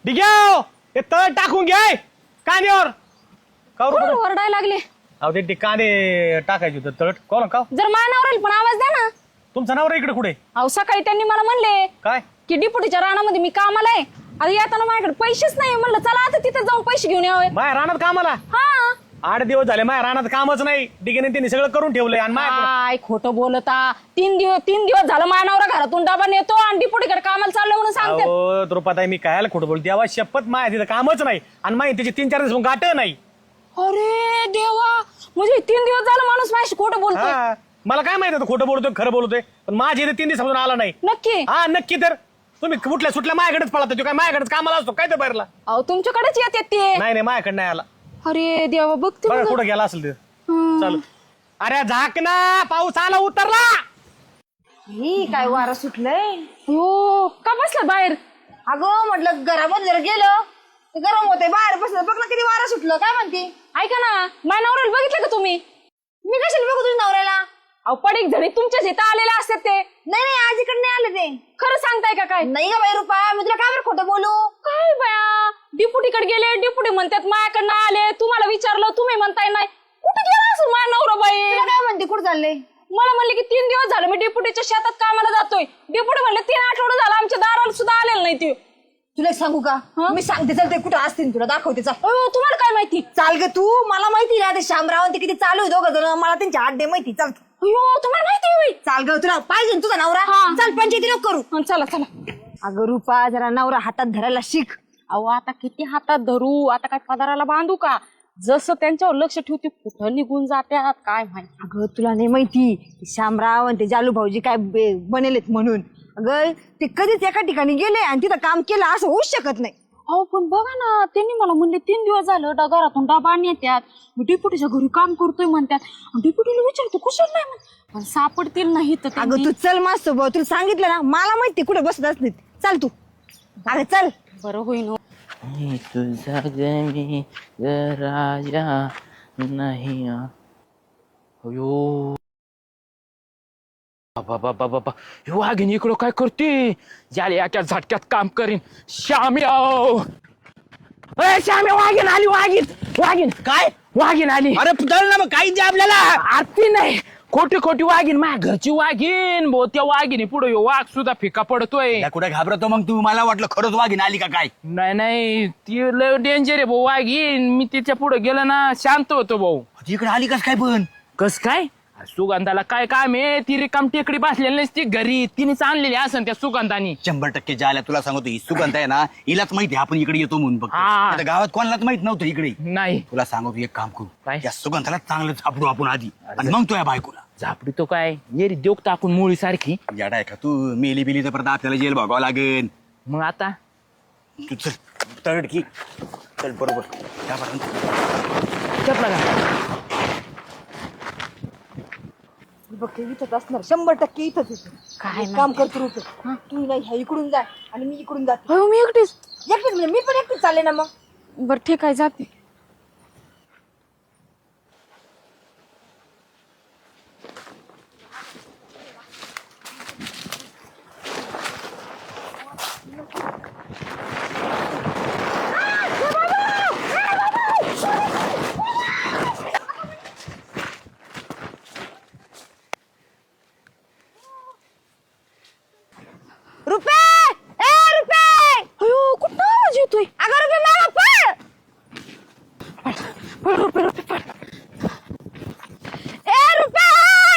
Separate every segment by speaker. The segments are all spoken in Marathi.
Speaker 1: डिग्याव ते तळ टाकून घ्याय कांद्यावर
Speaker 2: ओरडायला लागले.
Speaker 1: अहो ते कांदे टाकायचे होते तळट कोण का
Speaker 2: जर मानावर येईल पण आवाज द्या ना.
Speaker 1: तुमचा नवरा इकडे कुठे
Speaker 2: अहो सकाळी त्यांनी मला म्हणले
Speaker 1: काय
Speaker 2: की डिपुटीच्या रानामध्ये मी कामाला आहे. आता येताना माझ्याकडे पैसेच नाही. म्हणलं चला आता तिथे जाऊन पैसे घेऊन यावे.
Speaker 1: माया रानात कामाला
Speaker 2: हा
Speaker 1: 8 दिवस झाले माया रानात कामच नाही. डिगेने त्यांनी सगळं करून ठेवलंय आणि माया
Speaker 2: काय खोटं बोलता. 3 दिवस झालं मानावर घरातून डबा नेतो आणि डिपुटीकडे कामाला चाललो म्हणून सांगते.
Speaker 1: अहो द्रुपदाई मी कायला खोटं बोलते देवा शपथ माया तिथं कामच नाही आणि माहिती त्याचे 3-4 दिवस गाठ नाही.
Speaker 2: अरे देवा म्हणजे 3 दिवस झालं माणूस माझ्याशी खोटं बोलतोय.
Speaker 1: हा, मला काय माहिती होतं खोटं बोलतोय खरं बोलतोय पण माझ्या इथे 3 दिवसापासून आला नाही.
Speaker 2: नक्की.
Speaker 1: हा नक्की. तर तुम्ही कुठल्या सुटल्या माझ्याकडेच पळा तो काय माझ्याकडेच कामाला असतो काय तर बाहेरला
Speaker 2: अहो तुमच्याकडेच येते ते.
Speaker 1: नाही मायाकडे नाही आला.
Speaker 2: अरे देवा बघते
Speaker 1: बघा
Speaker 2: मग.
Speaker 1: कुठं गेला असेल ते चालू. अरे झाक ना पाऊस आला उतरला.
Speaker 3: ही काय वारा सुटलंय.
Speaker 2: हो का बसला बाहेर.
Speaker 3: अगं म्हटलं घरामध्ये जर गेलं तर गरम होते. बाहेर बसलं बघ ना किती वारा सुटलं. काय म्हणते
Speaker 2: ऐका ना माझ्या नवऱ्याला बघितलं का तुम्ही.
Speaker 3: मी कशाला बघू तुझ्या नवऱ्याला.
Speaker 2: अहो पडीक झडी तुमच्याच इथं आलेले असतात ते.
Speaker 3: नाही आज इकडे नाही आले ते.
Speaker 2: खरं सांगताय का काय.
Speaker 3: नाही का बाई रुपा मी तुला काय बरं खोटं बोलू.
Speaker 2: काय बया डिपुटीकडे गेले डिपुटी म्हणतात माझ्याकडनं आले. तुम्हाला विचारलं तुम्ही म्हणताय नाही. कुठे गेला असं माझा नवरा बाई.
Speaker 3: तुला काय म्हणते कुठं चालले.
Speaker 2: मला म्हणले की 3 दिवस झाले मी डिपुटीच्या शेतात कामाला जातोय. डिपुटी म्हणले 3 आठवडे झाला आमच्या दाराला सुद्धा आलेलं नाही ते.
Speaker 3: तुला एक सांगू का मी सांगते चल ते कुठं असतील तुला दाखवते चाल.
Speaker 2: अहो, तुम्हाला काय माहिती.
Speaker 3: चाल ग तू. मला माहिती ना ते शामराव ते किती चालू आहे दोघं जण. मला त्यांच्या आड्डे माहिती. चाल
Speaker 2: अयो तुम्हाला माहिती होय.
Speaker 3: चाल ग तुला पाहिजे ना तुझा नवरा.
Speaker 2: हा.
Speaker 3: चाल पंचायती नको करू.
Speaker 2: चला चला.
Speaker 3: अगं रुपा जरा नवरा हातात धरायला शिक.
Speaker 2: अहो आता किती हातात धरू. आता काय पदाराला बांधू का. जसं त्यांच्यावर लक्ष ठेवते कुठं निघून जात्यात काय माहिती.
Speaker 3: अगं तुला नाही माहिती ते शामराव आणि ते जालू भाऊजी काय बनेलेत म्हणून. अगं ते कधीच एका ठिकाणी गेले आणि तिथं काम केलं असं होऊच शकत नाही.
Speaker 2: अहो पण बघा ना त्यांनी मला म्हणले 3 दिवस झालं घरातून डबा नेत्यात. मी डिपुटीच्या घरी काम करतोय म्हणतात. डिपुटीला विचारतो कुशल नाही म्हण पण सापडतील नाही तर.
Speaker 3: अगं तू चल मस्त भाऊ तुला सांगितलं ना. मला माहिती कुठे बसत असते. चल तू. अगं चल.
Speaker 2: बरं होईन.
Speaker 4: तुझा गमी राजा नाही. अयो बाबा बाबा बाबा ह्यो वाघीन इकडं काय करते. ज्याला एका झटक्यात काम करीन. श्याम्या श्याम्या वाघीन आली. वाघीन काय वाघीन आली. अरे चल ना मग काही दे आपल्याला. आरती नाही खोटी वाघीन माझ्या घरची वाघीन भाऊ. त्या वाघिनी पुढे वाघ सुद्धा फिका पडतोय.
Speaker 5: कुठे घाबरतो मग तू. मला वाटलं खरंच वाघीन आली का काय.
Speaker 4: नाही ती लय डेंजर आहे भाऊ वाघीन. मी तिच्या पुढे गेलो ना शांत होतो भाऊ.
Speaker 5: इकडे आली कस काय पण.
Speaker 4: कस काय सुगंधाला काय काम आहे. ती रिकाम टेकडी बसलेली नसती घरी. तिनेच आणलेली असन त्या सुगंधानी.
Speaker 5: 100% जायला तुला सांगतो ही सुगंध आहे ना हिलाच माहिती आपण इकडे येतो म्हणून बघ.
Speaker 4: हा.
Speaker 5: आता गावात कोणालाच माहित नव्हतं इकडे.
Speaker 4: नाही
Speaker 5: तुला सांगतो एक काम करू
Speaker 4: काय?
Speaker 5: या सुगंधाला चांगलं झापडू आपण आधी आणि मग तो या बायकोला.
Speaker 4: झापडी तो काय येरी देऊ टाकून मुळी सारखी.
Speaker 5: याडा आहे का तू. मेली बिली तर परत आपल्याला जेल भोगावं लागेल.
Speaker 4: मग आता
Speaker 5: तू चल तळड की चल बरोबर त्यापर्यंत.
Speaker 4: चपला घाल.
Speaker 3: बघ ते इथंच असणार 100% इथंच येतो.
Speaker 2: काय
Speaker 3: एक काम करतो रुपे तू नाही ह्या इकडून जाय आणि मी इकडून जाते.
Speaker 2: हो मी एकटीच.
Speaker 3: एकटीच म्हणजे मी पण एकटीच चालले ना मग.
Speaker 2: बरं ठीक आहे जाते.
Speaker 3: रुपे ए रुपे.
Speaker 2: अयो कुठं आवाज येतोय.
Speaker 3: अगं रुपे मामा पळ. ए रुपे.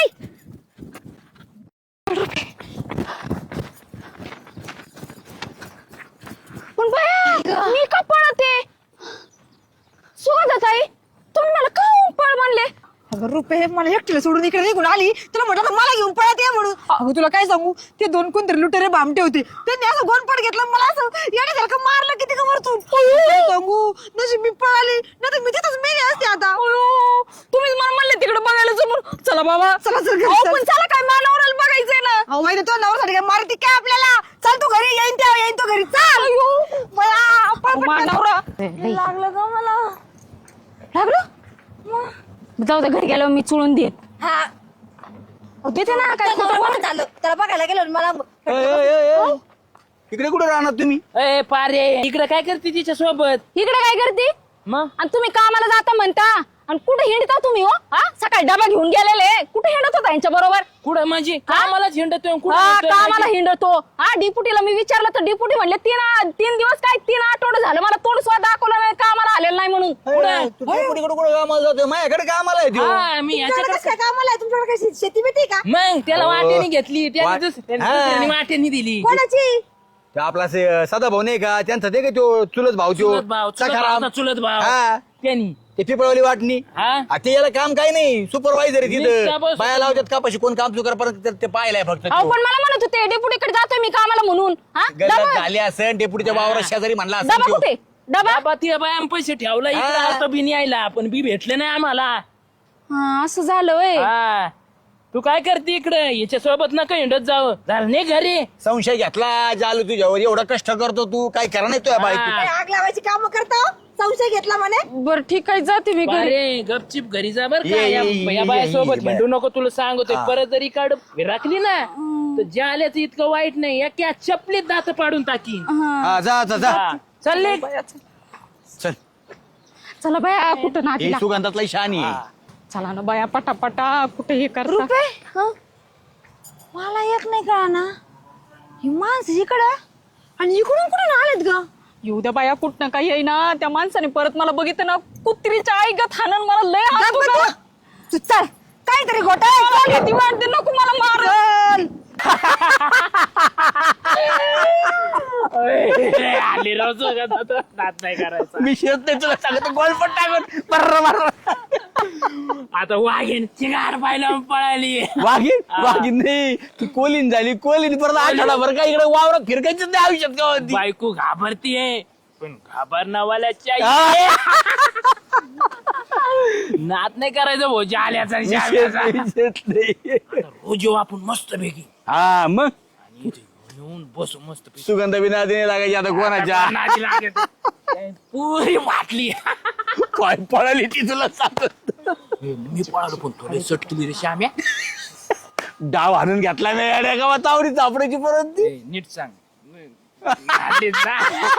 Speaker 2: पण बाया मी का पळते. सुगंधाताई तुम्ही मला का पळ म्हणले.
Speaker 3: अगं रुपे मला एकटीला सोडून इकडे निघून आली. तुला म्हटलं मला घेऊन पळत ये म्हणून. अगं तुला काय सांगू ते 2 कोणतरी लुटेरे भामटे होते. त्यांनी असं गोनपट घेतलं मला असं येण्यासारखं मारलं किती का वरतून. काय सांगू नशीब मी पळाली नाही तर मी तिथंच मेली असते आता.
Speaker 2: तुम्ही मला म्हणले तिकडे बघायला समोर. चला बाबा
Speaker 3: चला चल घरी
Speaker 2: अहो,
Speaker 3: चल.
Speaker 2: पण चला काय मानवराला बघायचंय ना.
Speaker 3: अहो माहिती तो नवऱ्यासाठी काय मारती काय आपल्याला. चल तू घरी येईन तेव्हा येईन तो घरी चाल. बया, पळ पटकन.
Speaker 2: मानवरा
Speaker 3: लागलं का मला.
Speaker 2: लागलं. जाऊ दे घरी गेल्यावर मी चुळून देत.
Speaker 3: हा
Speaker 2: देते ना काय खोटं बोल.
Speaker 3: झालं त्याला बघायला गेलो मला.
Speaker 5: इकडे कुठे राहणार तुम्ही?
Speaker 4: ए पारे इकडे काय करते तिच्या सोबत?
Speaker 2: इकडे काय करते
Speaker 4: मग
Speaker 2: आणि तुम्ही कामाला जाता म्हणता आणि कुठे हिंडता तुम्ही हो? हा सकाळी डबा घेऊन गेलेले कुठे हिंडत होता यांच्या बरोबर?
Speaker 4: कुठं म्हणजे कामालाच हिंडतोय कुठं
Speaker 2: हा
Speaker 4: हिंडतोय
Speaker 2: कामाला
Speaker 4: म्हणजे?
Speaker 2: हिंडतो. हा डिपुटीला मी विचारलं तर डिपुटी म्हणले तीन दिवस काय 3 आठवडे झालं मला तोंड सुद्धा दाखवलं नाही कामाला आलेलं नाही म्हणून.
Speaker 5: तू डेपुटीकडे कुठे कामाला जातोय? माझ्याकडे कामाला आहे त्यो.
Speaker 4: हा मी
Speaker 3: तुमच्याकडे कसं काय कामाला आहे? तुमच्याकडे काय शेती बिती का?
Speaker 4: मग त्याला वाटेने घेतली त्याने
Speaker 5: वा-
Speaker 4: दुसऱ्याने
Speaker 5: हा.
Speaker 4: दुसऱ्याने वाटेने दिली.
Speaker 3: कोणाची?
Speaker 5: तो आपला सदा भाऊ नाही का त्यांचा ते का तो चुलत भाऊ त्यो
Speaker 4: चुलत भाव चुलत
Speaker 5: सखाराम.
Speaker 4: भावचा चुलत भाव
Speaker 5: हा.
Speaker 4: त्यांनी
Speaker 5: ते पिपळवली वाटणी
Speaker 4: हा
Speaker 5: ते याला काम काही नाही सुपरवायझर आहे
Speaker 4: नुसता
Speaker 5: तिथं
Speaker 4: बस-
Speaker 5: बाया लावतात कापाशी कोण काम चुकार परत ते पाहिलाय फक्त
Speaker 2: अहो पण मला म्हणत होते डिपुटीकडे जातोय मी कामाला म्हणून. हा
Speaker 5: गल्लात
Speaker 2: डबा
Speaker 5: झाले असेल डेपुटीच्या वावरात शेजारी म्हणला
Speaker 2: डबा
Speaker 5: असेल
Speaker 2: कुठे डबा?
Speaker 4: बाबा ती बाया पैसे ठेवला इकडे
Speaker 5: हा.
Speaker 4: आता बी यायला पण बी भेटले नाही आम्हाला.
Speaker 2: हा असं झालं होय.
Speaker 4: हा तू काय करते इकडे याच्या सोबत नका हिंडत जावं झालं नाही घरी.
Speaker 5: संशय घेतला जालू तुझ्यावर एवढा कष्ट करतो तू काय करा नाही तुझ्या बाई
Speaker 4: हा.
Speaker 3: काय आग लावायची काम करता हो? संशय घेतला म्हणे.
Speaker 2: बर ठीक आहे जाते मी घरी.
Speaker 4: अरे गपचिप घरी जा बर का
Speaker 5: ये,
Speaker 4: या
Speaker 5: ये,
Speaker 4: या
Speaker 5: ये,
Speaker 4: बायासोबत
Speaker 5: ये,
Speaker 4: हिंडू नको तुला सांगतोय
Speaker 5: हा.
Speaker 4: परत जरी काढ राखली ना तर ज्या आल्याचं इतकं वाईट नाही या चपलीत दात पाडून टाकी.
Speaker 5: हा, जा जा जा
Speaker 4: चालले
Speaker 5: चल
Speaker 2: चला बाया कुठं
Speaker 5: हे
Speaker 2: नातीला.
Speaker 5: सुगंधातला शानी आहे.
Speaker 2: चला ना बाया पटापटा कुठे हे करता.
Speaker 3: रुपे हं? मला एक नाही कळा ना ही माणसं इकडं आणि इकडून कुठून आलेत ग?
Speaker 2: येऊ द्या बाया कुठनं काही येईना त्या माणसाने परत मला बघितलं ना कुत्रीच्या आई गत हाणन मला लय हात
Speaker 3: गप्प तू. तू चल काहीतरी घोटाळा
Speaker 2: ती वाटते नको मला मार.
Speaker 4: आली राव जगात आता नाद नाही करायचा.
Speaker 5: मी शेत नाही तुला सांगतो गोलपट टाकून बर्र
Speaker 4: आता वाघेन चिंगार पाहिलं पळाली.
Speaker 5: वाघीन नाही ती कोलीन झाली कोलीन परत आठवडाभर काय इकडे वावरात फिरकायचं नाही आयुष्यात का होती.
Speaker 4: बायको घाबरतीये पण घाबरणावाल्याची आई
Speaker 5: हा.
Speaker 4: नाद नाही करायचं भाऊ जाल्याचा आणि
Speaker 5: मी शेत
Speaker 4: जाल्याचा.
Speaker 5: नाही, शेत नाही.
Speaker 4: रोज येऊ आपण मस्त पैकी
Speaker 5: हा मग
Speaker 4: आणि इथे येऊन बसू मस्त पैकी.
Speaker 5: सुगंध बिना देणे लागायची आता कोणाच्या
Speaker 4: नादी लागत. पुरी वाटली.
Speaker 5: काय पळाली ती तुला सांगत
Speaker 4: मी पळालो पण थोडे सटकली रे श्याम्या.
Speaker 5: डाव आणून घेतला नाही अड्या गावात आवडी चापडायची परत ती
Speaker 4: ए, नीट सांग नादीत ना.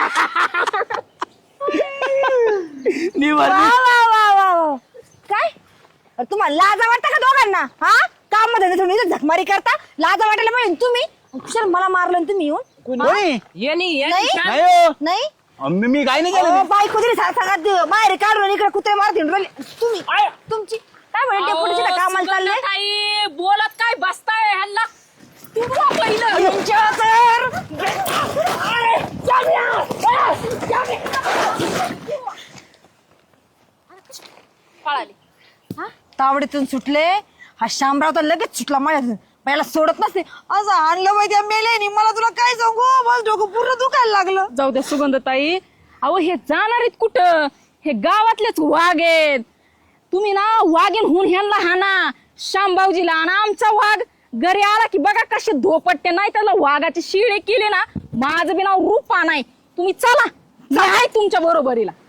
Speaker 5: निवांत.
Speaker 3: वा वा वा वा वा. काय अरे तुम्हाला लाजा वाटतं का दोघांना? हा काम मध्ये तुम्ही इथं झकमारी करता लाजा वाटायला पाहिजे तुम्ही. कुशाल मला मारलं आणि तुम्ही येऊन
Speaker 5: कोणी?
Speaker 4: यांनी
Speaker 3: नाही?
Speaker 4: श्याम-
Speaker 5: नाही हो.
Speaker 3: नाही
Speaker 5: मी काय नाही
Speaker 3: अहो,
Speaker 5: केलं
Speaker 3: बायको तरी सांगत बाहेर काढून इकडे कुत्रे मारत हिंडून राहिले. तुम्ही
Speaker 4: आय.
Speaker 3: तुमची काय म्हणे डेपुटीची ना कामाला चालले
Speaker 2: काही बोलत काय बसताय ह्यांना तू बोला पहिलं.
Speaker 3: यांच्या तर
Speaker 2: पळाली.
Speaker 3: तावडीतून सुटले हा शामराव तर लगेच सुटला माझ्यातून पहिला सोडत नसते असं आणलं पाहिजे त्या मेल्याने मला तुला काय सांगू माझं डोकं पूर्ण दुखायला लागलं.
Speaker 2: जाऊ द्या सुगंधताई. अहो हे जाणार आहेत कुठं? हे गावातलेच वाघ आहेत. तुम्ही ना वाघीन होऊन ह्यांना हाना शामबावजीला आणि आमचा वाघ घरी आला की बघा कसे धोपटते नाही त्याला वाघाची शिळे केले ना माझं बी नाव रूपा नाही. तुम्ही चला मी आहे तुमच्या बरोबरीला.